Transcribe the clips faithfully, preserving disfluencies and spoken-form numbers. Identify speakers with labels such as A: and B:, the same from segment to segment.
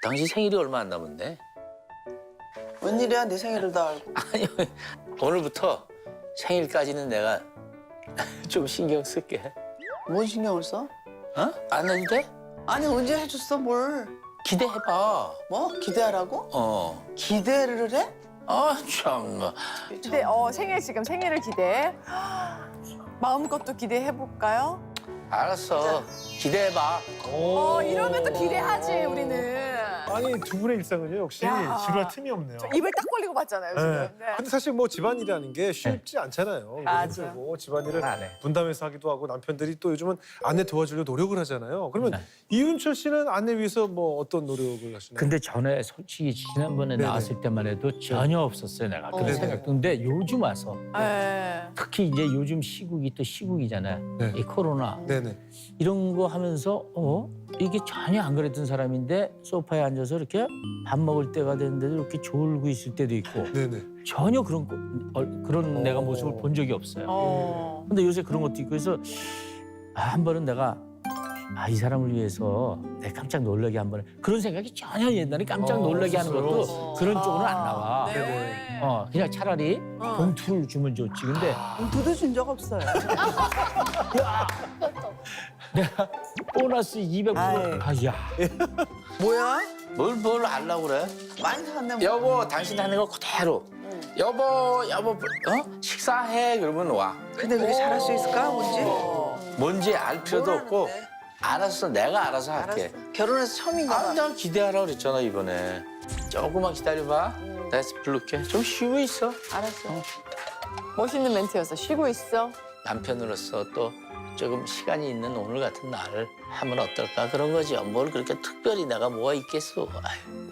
A: 당신 생일이 얼마 안 남았네.
B: 웬일이야 내 생일을 다 알고.
A: 아니 오늘부터 생일까지는 내가 좀 신경 쓸게.
B: 뭔 신경을 써?
A: 어? 안 해도 돼?
B: 아니 언제 해줬어 뭘?
A: 기대해봐.
B: 뭐 기대하라고?
A: 어.
B: 기대를 해?
A: 아 참나.
C: 근데 어 생일 지금 생일을 기대해. 마음껏 또 기대해 볼까요?
A: 알았어. 기대해봐.
C: 어 이러면 또 기대하지 우리는.
D: 아니 두 분의 일상은요 역시
C: 야.
D: 지루할 틈이 없네요.
C: 저 입을 딱 벌리고 봤잖아요 지금.
D: 네.
C: 네.
D: 근데 사실 뭐 집안일이라는 게 쉽지 않잖아요.
C: 맞아.
D: 힘들고 집안일을
A: 안 해.
D: 분담해서 하기도 하고 남편들이 또 요즘은 아내 도와주려고 노력을 하잖아요. 그러면
A: 네.
D: 이윤철 씨는 아내 위해서 뭐 어떤 노력을 하시나요?
E: 근데 전에 솔직히 지난번에
D: 네네.
E: 나왔을 때만 해도 전혀 없었어요 내가 그런
D: 네네.
E: 생각도. 근데 요즘 와서
C: 네.
E: 특히 이제 요즘 시국이 또 시국이잖아요.
D: 네.
E: 이 코로나
D: 네네.
E: 이런 거 하면서 어 이게 전혀 안 그랬던 사람인데 소파에 앉아서 이렇게 밥 먹을 때가 됐는데도 이렇게 졸고 있을 때도 있고
D: 네네.
E: 전혀 그런 거- 어, 그런
D: 어.
E: 내가 모습을 본 적이 없어요.
C: 어.
E: 근데 요새 그런 것도 있고 해서 아, 한 번은 내가 아, 이 사람을 위해서 내 깜짝 놀라게 한 번에 그런 생각이 전혀 옛날에 깜짝
D: 어,
E: 놀라게 하는
D: 없었어요?
E: 것도 그런 쪽으로는 안 나와.
C: 네.
E: 어, 그냥 차라리
C: 어.
E: 봉투를 주면 좋지. 근데
B: 돈도 준 적 없어요.
E: 내가 보너스 이백 불.
B: 아이.
E: 아, 야.
B: 뭐야?
A: 뭘 뭘 하려고 그래?
B: 많이 샀네. 뭐.
A: 여보 당신 하는 거 그대로. 여보 여보 어? 식사해 그러면 와.
B: 근데 그게 잘할 수 있을까 뭔지?
A: 뭔지 알 필요도
B: 뭘
A: 없고.
B: 하는데?
A: 알았어 내가 알아서 할게.
B: 알았어. 결혼해서 처음인가
A: 아,
B: 봐.
A: 나 기대하라 그랬잖아 이번에. 조금만 기다려봐. 내가 부를게. 좀 쉬고 있어.
B: 알았어.
C: 멋있는 멘트였어. 쉬고 있어.
A: 남편으로서 또 조금 시간이 있는 오늘 같은 날을 하면 어떨까 그런 거지. 뭘 그렇게 특별히 내가 뭐가 있겠어. 아유.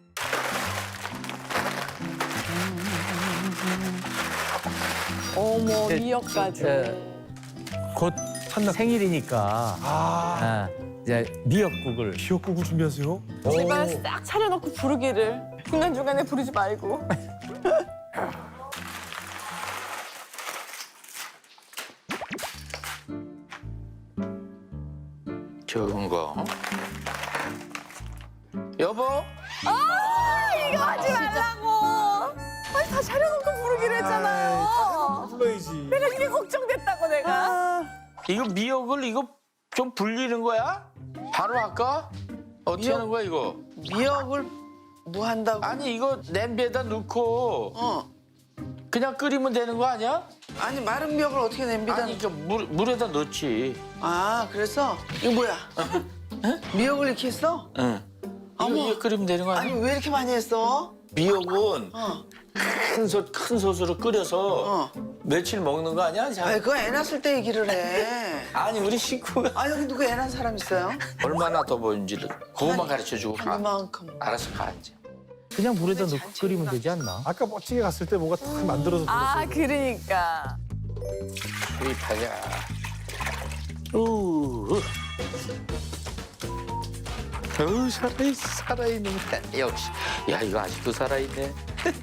C: 어머
E: 네,
C: 미역까지.
E: 네. 곧 생일이니까
D: 아,
E: 아, 이제 미역국을
D: 미역국을 준비하세요?
C: 집안
D: 오.
C: 싹 차려놓고 부르기를 중간 중간에 부르지 말고.
A: 적은 거. 여보?
C: 이거 하지 말라고. 아니 다 차려놓고 부르기로 했잖아요.
D: 불러야지.
C: 내가 이게 걱정됐다고 내가.
A: 이거 미역을 이거 좀 불리는 거야? 바로 할까? 어떻게
B: 미역?
A: 하는 거야 이거?
B: 미역을 뭐 한다고?
A: 아니 이거 냄비에다 넣고
B: 어.
A: 그냥 끓이면 되는 거 아니야?
B: 아니 마른 미역을 어떻게 냄비다?
A: 아니 그 물, 물에다 넣지.
B: 아 그래서 이거 뭐야? 미역을 이렇게 했어?
A: 응. 이거,
B: 어머.
A: 이거 끓이면 되는 거
B: 아니
A: 아니야?
B: 왜 이렇게 많이 했어?
A: 미역은
B: 어.
A: 큰, 솥, 큰 솥으로 끓여서
B: 어.
A: 며칠 먹는 거 아니야? 자,
B: 아이 그거 애 낳았을 때 얘기를 해.
A: 아니 우리 식구가
B: 아 여기 누구 애 낳은 사람 있어요?
A: 얼마나 더 보는지를 그것만 가르쳐주고 가.
B: 이만큼.
A: 알아서 가 이제.
E: 그냥 물에다 넣고
B: 잔치가
E: 끓이면 되지 않나?
D: 아까 멋지게 갔을 때 뭔가 탁 만들어서
C: 아
D: 불렀어요.
C: 그러니까.
A: 수입하자. 우. 어우 살아있 살아있는 거 역시. 야 이거 아직도 살아있네.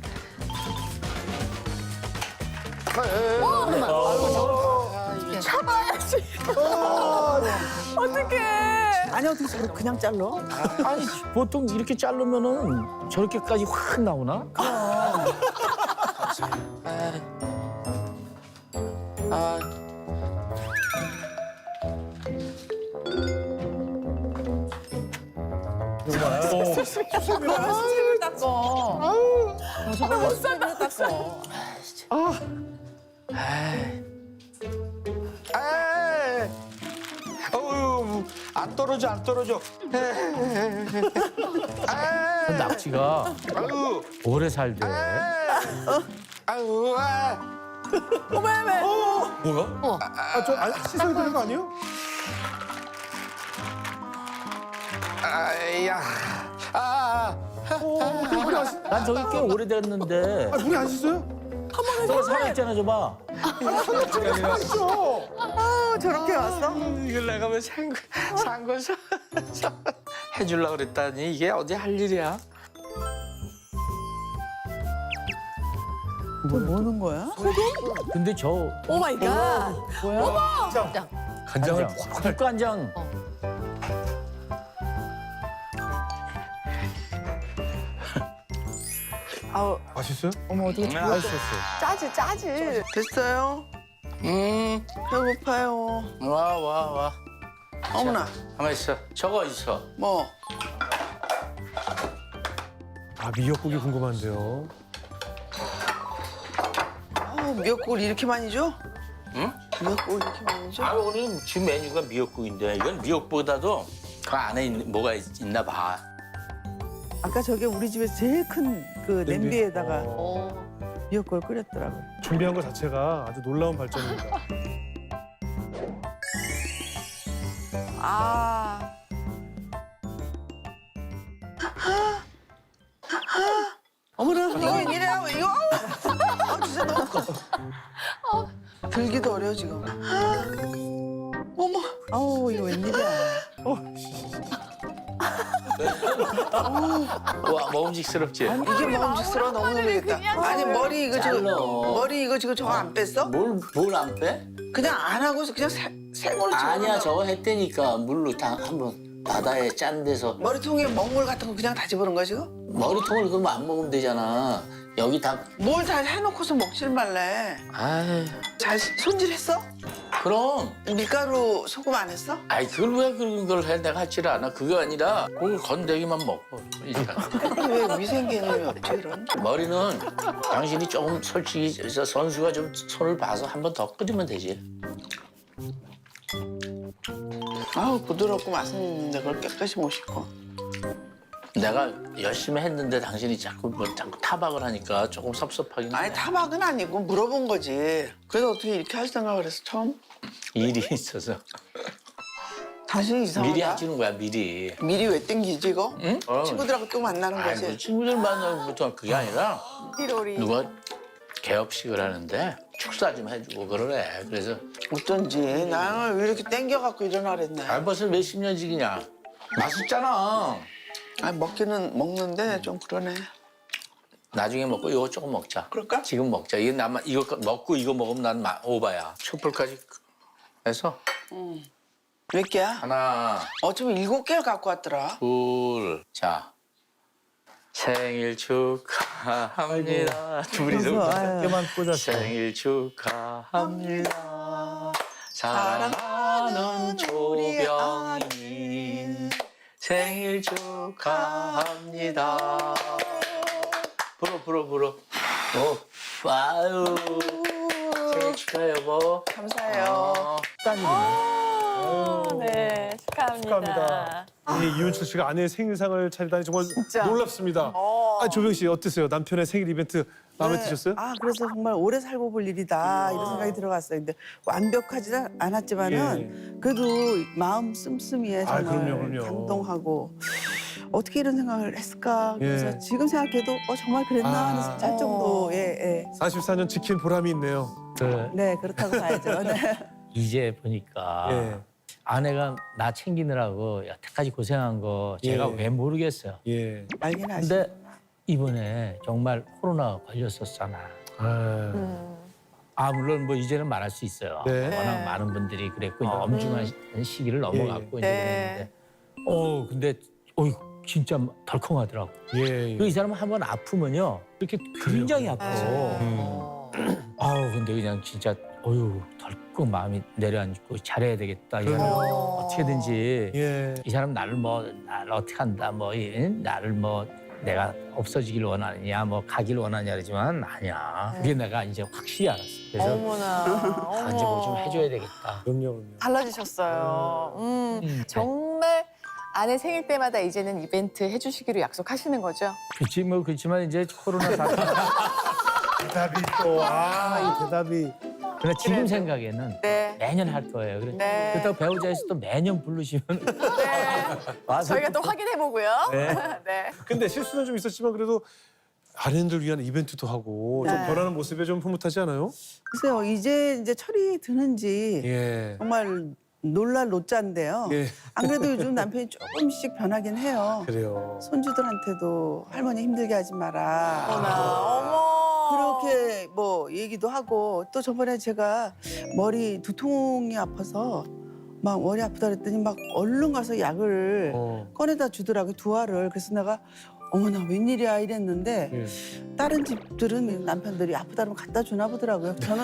C: 참아야지. 어떡해.
B: 아니 어떻게 저렇게 그냥 잘라?
E: 아니 보통 이렇게 자르면은 저렇게까지 확 나오나?
A: 아, 아.
C: 수세미를 닦어. 아우. 못 산다. 닦어.
A: 아이. 아이. 어우, 안 떨어져, 안 떨어져. 아이.
E: 낙지가
A: 아유,
E: 오래 살대.
A: 아유, 아유, 아.
C: 어머 어머.
D: 뭐야? 아, 저 안, 씻어야 되는 거 아니에요?
A: 아야, 아,
D: 어, 물이 안 씻...
E: 난 저기 꽤 오래됐는데
D: 아, 물이 안 씻어요?
E: 저거 살아있잖아 저봐.
D: 씻어.
B: 아 저렇게 왔어?
A: 이걸 내가 왜 산, 거- 산 거서 해주려고 그랬다니 이게 어디 할 일이야?
B: 뭐 먹는 거야?
E: 근데 저
C: 오 마이 갓.
D: 간장을
E: 간장, 국간장.
C: 아우,
D: 맛있어요?
C: 어머 어떻게
A: 음,
C: 저렇게
E: 맛있었어요.
C: 짜지 짜지.
B: 됐어요?
A: 음,
B: 배고파요.
A: 와, 와, 와.
B: 어머나,
A: 가만 있어. 저거 있어.
B: 뭐?
D: 아 미역국이 궁금한데요.
B: 아, 미역국을 이렇게 많이 줘?
A: 응?
B: 미역국을 이렇게 많이 줘?
A: 아, 오늘 지금 메뉴가 미역국인데 이건 미역보다도 그 안에 있는, 뭐가 있, 있나 봐.
F: 아까 저게 우리 집에서 제일 큰 그
D: 냄비?
F: 냄비에다가
D: 어,
F: 미역국을 끓였더라고요.
D: 준비한 것 자체가 아주 놀라운 발전입니다.
C: 아,
B: 어머나, 이거 웬일이야? 이거? 아, 진짜 너무 커. 들기도 어려워, 지금. 어머,
F: 아우 이거 웬일이야.
A: 와, 먹음직스럽지?
B: 이게 먹음직스러워 너무 놀라겠다.
C: 그냥
B: 아니,
C: 저를
B: 머리 이거 지금,
A: 잘라.
B: 머리 이거 지금 저거 안 뺐어?
A: 뭘, 뭘 안 빼?
B: 그냥 안 하고서 그냥 새, 생으로
A: 아니야,
B: 집어넣어.
A: 저거 했다니까. 물로 다 한번 바다에 짠 데서
B: 머리통에 먹물 같은 거 그냥 다 집어넣은 거야, 지금?
A: 머리통을 그러면 안 먹으면 되잖아. 여기 다,
B: 뭘 다 해놓고서 먹질 말래.
A: 아이,
B: 잘 손질했어?
A: 그럼.
B: 밀가루 소금 안 했어?
A: 아이, 그걸 왜 그런 걸 해? 내가 하질 않아. 그게 아니라 그걸 건더기만 먹어. 그러니까.
B: 왜 위생 개념이 없지, 이런?
A: 머리는 당신이 조금 솔직히 저 선수가 좀 손을 봐서 한 번 더 끓이면 되지.
B: 아우, 부드럽고 맛은 있는데 그걸 깨끗이 못 씻고.
A: 내가 열심히 했는데 당신이 자꾸 뭐 자꾸 타박을 하니까 조금 섭섭하긴 해.
B: 아니, 타박은 아니고 물어본 거지. 그래서 어떻게 이렇게 할 생각을 했어, 처음?
A: 일이 있어서
B: 당신이 이상하다.
A: 미리 해주는 거야 미리.
B: 미리 왜 땡기지, 이거?
A: 응? 어.
B: 친구들하고 또 만나는
A: 아이,
B: 거지.
A: 뭐 친구들 만나부터 그게 아니라
C: 피로리.
A: 누가 개업식을 하는데 축사 좀 해주고 그러래. 그래서
B: 어쩐지 나는 왜 이렇게 땡겨갖고 일어나 그랬네.
A: 아 벌써 몇십 년씩이냐. 맛있잖아.
B: 아니, 먹기는 먹는데 좀 그러네.
A: 나중에 먹고 이거 조금 먹자.
B: 그럴까?
A: 지금 먹자. 이거 나만 이거 먹고 이거 먹으면 난 마- 오바야. 촛불까지 해서
B: 몇 개야?
A: 하나,
B: 어쩌면 일곱 개를 갖고 왔더라.
A: 둘, 자 생일 축하합니다. 둘이서
F: 그래서, 아유.
E: 깨만 꽂았어.
A: 생일 축하합니다. 사랑하는 조병님 생일 축하합니다. 불어 불어 불어. 어, 아유 생일 축하해 여보.
B: 감사해요.
A: 어.
C: 아, 네, 축하합니다.
D: 축하합니다. 우리 이윤철 씨가 아내의 생일상을 차리다니 정말
C: 진짜.
D: 놀랍습니다.
C: 어.
D: 아, 조병 씨 어땠어요? 남편의 생일 이벤트 마음에
F: 네.
D: 드셨어요?
F: 아 그래서 정말 오래 살고 볼 일이다 이런 생각이 들어갔어요. 근데 완벽하지는 않았지만은 그래도 마음 씀씀이에
D: 아,
F: 정말
D: 그럼요, 그럼요.
F: 감동하고 어떻게 이런 생각을 했을까. 그래서
D: 예.
F: 지금 생각해도 어 정말 그랬나
D: 아.
F: 하는 할 정도의 예.
D: 사십사 년 지킨 보람이 있네요.
E: 그
F: 네 그렇다고 봐야죠. 네.
E: 이제 보니까
D: 예.
E: 아내가 나 챙기느라고 여태까지 고생한 거 제가
D: 예.
E: 왜 모르겠어요.
D: 예.
F: 알긴 아시.
E: 근데 이번에 정말 코로나 걸렸었잖아.
D: 아,
C: 음.
E: 아 물론 뭐 이제는 말할 수 있어요.
D: 네.
E: 워낙
C: 네.
E: 많은 분들이 그랬고 이제
A: 어.
E: 엄중한 시기를 넘어갔고 이제
C: 네.
E: 그랬는데, 어 근데 어이 진짜 덜컹하더라고.
D: 예.
E: 그 이 사람은 한번 아프면요 이렇게 굉장히 아파.
C: 어.
E: 아우 근데 그냥 진짜 어유 덜컥 마음이 내려앉고 잘해야 되겠다. 이 사람
C: 그럼요.
E: 어떻게든지
D: 예.
E: 이 사람 나를 뭐 나를 어떻게 한다 뭐 이, 나를 뭐 내가 없어지길 원하느냐 뭐 가길 원하냐 그러지만 아니야. 그게 내가 이제 확실히 알았어. 그래서
C: 어머나.
E: 아, 이제 뭐 좀
C: 어머.
E: 해줘야 되겠다.
D: 그럼요, 그럼요.
C: 달라지셨어요. 음,
E: 음.
C: 정말 아내 생일 때마다 이제는 이벤트 해주시기로 약속하시는 거죠?
E: 그렇지 뭐 그렇지만 이제 코로나 사태.
D: 대답이 또, 아, 이 대답이.
E: 근데 지금
C: 그래도.
E: 생각에는
C: 네.
E: 매년 할 거예요. 그래.
C: 네.
E: 그렇다고 배우자에서 또 매년 부르시면
C: 네.
E: 와서
C: 저희가 또 확인해 보고요.
E: 네.
C: 네.
D: 근데 실수는 좀 있었지만 그래도 아내들 위한 이벤트도 하고 좀
F: 네.
D: 변하는 모습에 좀 흐뭇하지 않아요?
F: 글쎄요 이제 이제 철이 드는지
D: 예.
F: 정말 놀랄 노자인데요.
D: 예.
F: 안 그래도 요즘 남편이 조금씩 변하긴 해요.
D: 그래요.
F: 손주들한테도 할머니 힘들게 하지 마라.
C: 어머나. 어머.
F: 그렇게 뭐 얘기도 하고 또 저번에 제가 머리 두통이 아파서 막 머리 아프다 그랬더니 막 얼른 가서 약을
D: 어.
F: 꺼내다 주더라고요. 두 알을. 그래서 내가 어머나 웬일이야 이랬는데
D: 예.
F: 다른 집들은 남편들이 아프다 그러면 갖다 주나 보더라고요. 저는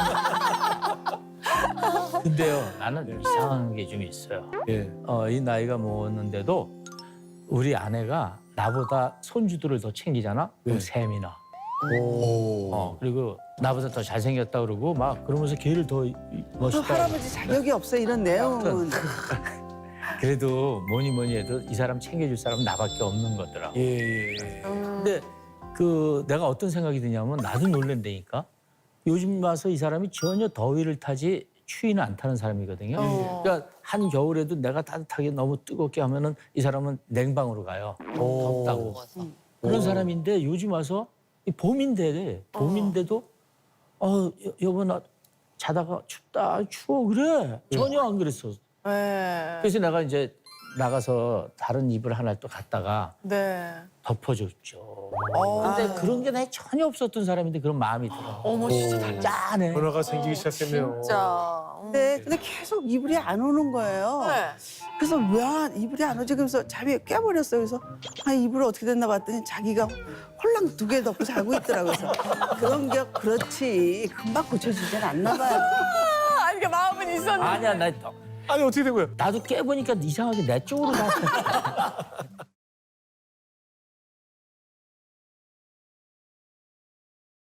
E: 근데요, 나는
D: 네.
E: 이상한 게 좀 있어요.
D: 예.
E: 어, 이 나이가 먹었는데도 우리 아내가 나보다 손주들을 더 챙기잖아? 그럼
D: 네.
E: 셈이나.
D: 오.
E: 어, 그리고 나보다 더 잘생겼다 그러고 막 그러면서 걔를 더 이-
F: 그
E: 멋있다.
F: 할아버지 자격이 없어 이런 내용은.
E: 그래도 뭐니 뭐니 해도 이 사람 챙겨줄 사람은 나밖에 없는 거더라고.
D: 예, 예, 예.
E: 근데 그 내가 어떤 생각이 드냐면 나도 놀랜다니까. 요즘 와서 이 사람이 전혀 더위를 타지 추위는 안 타는 사람이거든요.
C: 어.
E: 그러니까 한 겨울에도 내가 따뜻하게 너무 뜨겁게 하면은 이 사람은 냉방으로 가요.
D: 오.
E: 덥다고. 그런 사람인데 요즘 와서 이 봄인데 봄인데도 어 여- 여보 나 자다가 춥다 추워 그래 전혀 안 그랬어.
C: 네.
E: 그래서 내가 이제 나가서 다른 이불 하나를 또 갖다가
C: 네.
E: 덮어줬죠.
C: 어.
E: 근데 그런 게 내 전혀 없었던 사람인데 그런 마음이 들어.
C: 어머 진짜 달라.
E: 짠해.
D: 변화가 생기기 시작했네요.
C: 진짜. 음.
F: 네, 근데 계속 이불이 안 오는 거예요.
C: 네.
F: 그래서 왜 안- 이불이 안 오지? 그래서 잠이 깨버렸어요. 그래서 아 이불 어떻게 됐나 봤더니 자기가 홀랑 두 개 덮고 자고 있더라고요. 그래서 그런 게 그렇지 금방 고쳐지진 않나 봐요.
C: 아, 이게 마음은 있었는데.
E: 아니야 나
D: 아니 어떻게 된 거예요?
E: 나도 깨보니까 이상하게 내 쪽으로 가.